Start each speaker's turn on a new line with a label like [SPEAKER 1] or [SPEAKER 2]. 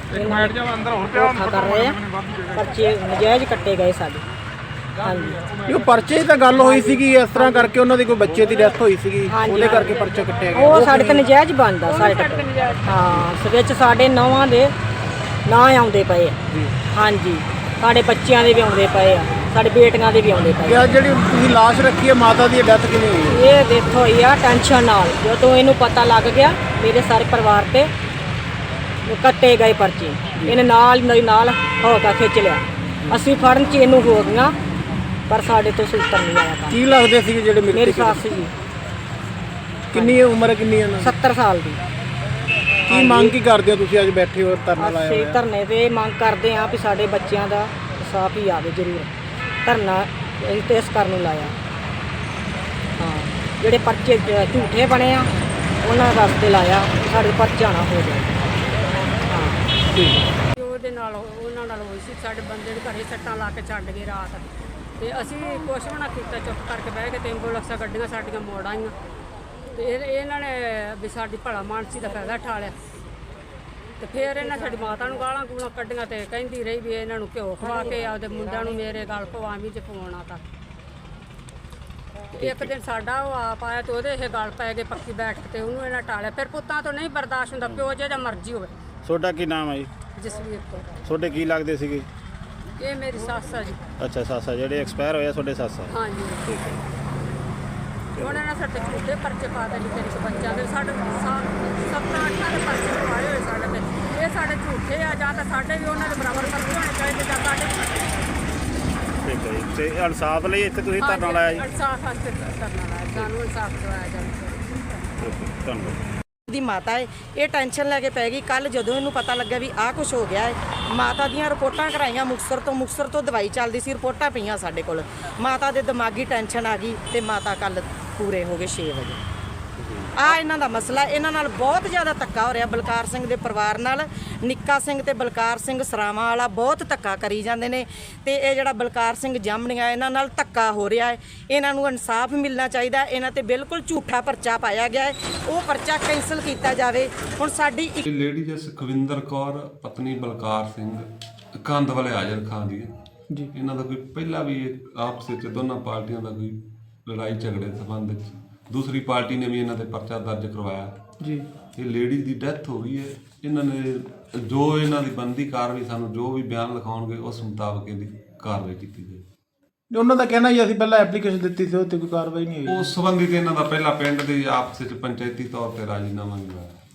[SPEAKER 1] ਧੋਖਾ ਕਰ ਰਹੇ ਆ, ਪਰਚੇ ਨਜਾਇਜ਼ ਕੱਟੇ ਗਏ ਸਾਡੇ। ਹਾਂਜੀ
[SPEAKER 2] ਇਹ ਪਰਚੇ ਤਾਂ ਗੱਲ ਹੋਈ ਸੀਗੀ ਇਸ ਤਰ੍ਹਾਂ ਕਰਕੇ ਉਹਨਾਂ ਦੀ ਕੋਈ ਬੱਚੇ ਦੀ ਡੈਥ ਹੋਈ ਸੀਗੀ, ਉਹਦੇ ਕਰਕੇ ਪਰਚਾ ਕੱਟਿਆ ਗਿਆ।
[SPEAKER 1] ਉਹ ਸਾਡੇ ਤੇ ਨਜਾਇਜ਼ ਬਣਦਾ ਸਾਡੇ ਤੇ। ਹਾਂ ਵਿੱਚ ਸਾਡੇ ਨੌਵਾਂ ਦੇ ਨਾਂ ਆਉਂਦੇ ਪਏ ਆ। ਹਾਂਜੀ ਸਾਡੇ ਬੱਚਿਆਂ ਦੇ ਵੀ ਆਉਂਦੇ ਪਏ ਆ, ਸਾਡੇ ਬੇਟੀਆਂ ਦੇ ਵੀ ਆਉਂਦੇ ਪਏ ਆ।
[SPEAKER 2] ਜਿਹੜੀ ਤੁਸੀਂ ਲਾਸ਼ ਰੱਖੀ ਹੈ ਮਾਤਾ ਦੀ ਡੈਥ ਕਿਵੇਂ ਹੋਈ ਹੈ?
[SPEAKER 1] ਇਹ ਡੈਥ ਹੋਈ ਆ ਟੈਨਸ਼ਨ ਨਾਲ। ਜਦੋਂ ਇਹਨੂੰ ਪਤਾ ਲੱਗ ਗਿਆ ਮੇਰੇ ਸਾਰੇ ਪਰਿਵਾਰ ਤੇ ਕੱਟੇ ਗਏ ਪਰਚੇ, ਇਹਨੇ ਨਾਲ ਮੇਰੇ ਨਾਲ ਹੋ ਕੇ ਖਿੱਚ ਲਿਆ। ਅਸੀਂ ਫੜਨ 'ਚ ਇਹਨੂੰ ਹੋ ਗਈਆਂ ਪਰ ਸਾਡੇ ਤੋਂ ਸੂਤਰ ਨਹੀਂ ਆਇਆ ਕੰਮ।
[SPEAKER 2] ਕੀ ਲੱਗਦੇ ਸੀਗੇ ਜਿਹੜੇ
[SPEAKER 1] ਮੇਰੀ ਸੱਸ ਜੀ।
[SPEAKER 2] ਕਿੰਨੀ ਉਮਰ ਕਿੰਨੀ ਹੈ?
[SPEAKER 1] 70 ਸਾਲ ਦੀ।
[SPEAKER 2] ਕੀ ਮੰਗ ਕੀ ਕਰਦੇ ਹੋ ਤੁਸੀਂ ਅੱਜ ਬੈਠੇ ਹੋ ਧਰਨਾ ਲਾਇਆ
[SPEAKER 1] ਅਸੀਂ
[SPEAKER 2] ਹੋਇਆ?
[SPEAKER 1] ਧਰਨੇ ਤੇ ਮੰਗ ਕਰਦੇ ਹਾਂ ਵੀ ਸਾਡੇ ਬੱਚਿਆਂ ਦਾ ਇਨਸਾਫ ਹੀ ਆਵੇ ਜ਼ਰੂਰ। ਧਰਨਾ ਅਸੀਂ ਤੇ ਇਸ ਕਰਨ ਨੂੰ ਲਾਇਆ। ਹਾਂ ਜਿਹੜੇ ਪਰਚੇ ਝੂਠੇ ਬਣੇ ਆ ਉਹਨਾਂ ਵਾਸਤੇ ਲਾਇਆ, ਸਾਡੇ ਪਰਚਾ ਨਾ ਹੋ ਜਾਏ।
[SPEAKER 3] ਉਹਦੇ ਨਾਲ ਉਹਨਾਂ ਨਾਲ ਹੋਈ ਸੀ। ਸਾਡੇ ਬੰਦੇ ਦੇ ਘਰੇ ਸੱਟਾਂ ਲਾ ਕੇ ਛੱਡ ਗਏ ਰਾਤ, ਤੇ ਅਸੀਂ ਕੁਛ ਵੀ ਨਾ ਕੀਤਾ, ਚੁੱਪ ਕਰਕੇ ਬਹਿ ਕੇ। ਤੇ ਐਂਬੂਲੈਂਸਾਂ ਗੱਡੀਆਂ ਸਾਡੀਆਂ ਮੋੜ ਆਈਆਂ, ਤੇ ਇਹਨਾਂ ਨੇ ਵੀ ਸਾਡੀ ਭਲਾ ਮਾਨਸੀ ਦਾ ਫਾਇਦਾ ਉਠਾ ਲਿਆ। ਤੇ ਫਿਰ ਇਹਨਾਂ ਸਾਡੀ ਮਾਤਾ ਨੂੰ ਗਾਲਾਂ ਗੂਲਾਂ ਕੱਢੀਆਂ, ਤੇ ਕਹਿੰਦੀ ਰਹੀ ਵੀ ਇਹਨਾਂ ਨੂੰ ਘਿਓ ਖਵਾ ਕੇ ਆਪਦੇ ਮੁੰਡਿਆਂ ਨੂੰ ਮੇਰੇ ਗਲ ਪਵਾਵੀਂ ਜੇ ਪਵਾਉਣਾ ਤਾਂ। ਇੱਕ ਦਿਨ ਸਾਡਾ ਉਹ ਆਪ ਆਇਆ ਤੇ ਉਹਦੇ ਇਹ ਗਲ ਪੈ ਗਏ ਪੱਕੀ ਬੈਠ ਕੇ, ਤੇ ਉਹਨੂੰ ਇਹਨਾਂ ਟਾਲਿਆ। ਫਿਰ ਪੁੱਤਾਂ ਤੋਂ ਨਹੀਂ ਬਰਦਾਸ਼ਤ ਹੁੰਦਾ, ਪਿਓ ਜਿਹੜਾ ਮਰਜ਼ੀ ਹੋਵੇ।
[SPEAKER 2] ਤੁਹਾਡਾ ਕੀ ਨਾਮ ਹੈ ਜੀ?
[SPEAKER 3] ਜਸਵੀਰ ਤੋਂ।
[SPEAKER 2] ਤੁਹਾਡੇ ਕੀ ਲੱਗਦੇ ਸੀਗੇ?
[SPEAKER 3] ਇਹ ਮੇਰੀ ਸੱਸ ਆ ਜੀ।
[SPEAKER 2] ਅੱਛਾ ਸਾਸਾ ਜਿਹੜੇ ਐਕਸਪਾਇਰ ਹੋਇਆ ਤੁਹਾਡੇ ਸਾਸਾ?
[SPEAKER 3] ਹਾਂਜੀ ਠੀਕ ਹੈ। ਉਹਨਾਂ ਨੇ ਸਾਡੇ ਝੂਠੇ ਪਰਚੇ ਪਾ ਦਿੱਤੇ ਨਿੱਕੇ ਬੱਚਿਆਂ ਦੇ। ਸਾਡੇ 7-8 ਦੇ ਪਰਚੇ ਪਾਏ ਹੋਏ ਸਾਡੇ ਤੇ। ਇਹ ਸਾਡੇ ਝੂਠੇ ਆ, ਜਾਂ ਤਾਂ ਸਾਡੇ ਵੀ ਉਹਨਾਂ ਦੇ ਬਰਾਬਰ ਪਰਚੇ ਹੋਣੇ ਚਾਹੀਦੇ, ਜਾਂ ਸਾਡੇ।
[SPEAKER 2] ਠੀਕ ਹੈ ਜੀ। ਤੇ ਇਨਸਾਫ ਲਈ ਇੱਥੇ ਤੁਸੀਂ ਧਰਨਾ ਲਾਇਆ ਜੀ?
[SPEAKER 3] ਇਨਸਾਫ ਵਾਸਤੇ ਧਰਨਾ ਲਾਇਆ, ਸਾਨੂੰ ਇਨਸਾਫ ਦਿਵਾਇਆ ਜਾਵੇ।
[SPEAKER 2] ਧੰਨਵਾਦ।
[SPEAKER 1] ਦੀ ਮਾਤਾ ਹੈ, ਇਹ ਟੈਨਸ਼ਨ ਲੈ ਕੇ ਪੈ ਗਈ। ਕੱਲ ਜਦੋਂ ਇਹਨੂੰ ਪਤਾ ਲੱਗਾ ਵੀ ਆਹ ਕੁਝ ਹੋ ਗਿਆ ਹੈ, ਮਾਤਾ ਦੀਆਂ ਰਿਪੋਰਟਾਂ ਕਰਾਈਆਂ ਮੁਕਤਸਰ ਤੋਂ ਦਵਾਈ ਚੱਲਦੀ ਸੀ, ਰਿਪੋਰਟਾਂ ਪਈਆਂ ਸਾਡੇ ਕੋਲ। ਮਾਤਾ ਦੇ ਦਿਮਾਗੀ ਟੈਨਸ਼ਨ ਆ ਗਈ ਤੇ ਮਾਤਾ ਕੱਲ ਪੂਰੇ ਹੋ ਗਏ 6 ਵਜੇ। ਆ ਇਹਨਾਂ ਦਾ ਮਸਲਾ, ਇਹਨਾਂ ਨਾਲ ਬਹੁਤ ਜ਼ਿਆਦਾ ਧੱਕਾ ਹੋ ਰਿਹਾ। ਬਲਕਾਰ ਸਿੰਘ ਦੇ ਪਰਿਵਾਰ ਨਾਲ ਨਿੱਕਾ ਸਿੰਘ ਤੇ ਬਲਕਾਰ ਸਿੰਘ ਸਰਾਵਾਂ ਵਾਲਾ ਬਹੁਤ ਧੱਕਾ ਕਰੀ ਜਾਂਦੇ ਨੇ, ਤੇ ਇਹ ਜਿਹੜਾ ਬਲਕਾਰ ਸਿੰਘ ਜਾਮਣੀਆਂ ਇਹਨਾਂ ਨਾਲ ਧੱਕਾ ਹੋ ਰਿਹਾ ਹੈ। ਇਹਨਾਂ ਨੂੰ ਇਨਸਾਫ ਮਿਲਣਾ ਚਾਹੀਦਾ। ਇਹਨਾਂ ਤੇ ਬਿਲਕੁਲ ਝੂਠਾ ਪਰਚਾ ਪਾਇਆ ਗਿਆ ਹੈ, ਉਹ ਪਰਚਾ ਕੈਂਸਲ ਕੀਤਾ ਜਾਵੇ। ਹੁਣ ਸਾਡੀ
[SPEAKER 4] ਲੇਡੀ ਸੁਖਵਿੰਦਰ ਕੌਰ ਪਤਨੀ ਬਲਕਾਰ ਸਿੰਘ ਕੰਧ ਵਾਲੇ ਹਾਜ਼ਰ ਖਾਨ ਦੀ ਜੀ। ਇਹਨਾਂ ਦਾ ਕੋਈ ਪਹਿਲਾਂ ਵੀ ਆਪਸ ਵਿੱਚ ਦੋਨਾਂ ਪਾਰਟੀਆਂ ਦਾ ਕੋਈ ਲੜਾਈ ਝਗੜੇ ਸੰਬੰਧ ਵਿੱਚ ਦੂਸਰੀ ਪਾਰਟੀ ਨੇ ਵੀ ਇਹਨਾਂ ਤੇ ਪਰਚਾ ਦਰਜ ਕਰਵਾਇਆ ਜੀ। ਇਹ ਲੇਡੀ ਦੀ ਡੈਥ ਹੋ ਗਈ ਹੈ। ਇਹਨਾਂ ਨੇ ਜੋ ਇਹਨਾਂ ਦੀ ਬਣਦੀ ਕਾਰਵਾਈ, ਸਾਨੂੰ ਜੋ ਵੀ ਬਿਆਨ ਲਿਖਾਉਣਗੇ ਉਸ ਮੁਤਾਬਕ ਇਹਦੀ ਕਾਰਵਾਈ ਕੀਤੀ ਜਾਏ।
[SPEAKER 2] ਉਹਨਾਂ ਦਾ ਕਹਿਣਾ ਜੀ ਅਸੀਂ ਪਹਿਲਾਂ ਐਪਲੀਕੇਸ਼ਨ ਦਿੱਤੀ ਸੀ, ਉੱਤੇ ਕੋਈ ਕਾਰਵਾਈ ਨਹੀਂ ਹੋਈ।
[SPEAKER 4] ਉਸ ਸੰਬੰਧੀ ਤੇ ਇਹਨਾਂ ਦਾ ਪਹਿਲਾਂ ਪਿੰਡ ਦੇ ਆਪਸ ਵਿੱਚ ਪੰਚਾਇਤੀ ਤੌਰ ਤੇ ਰਾਜੀਨਾਮਾ ਵੀ ਹੋਇਆ।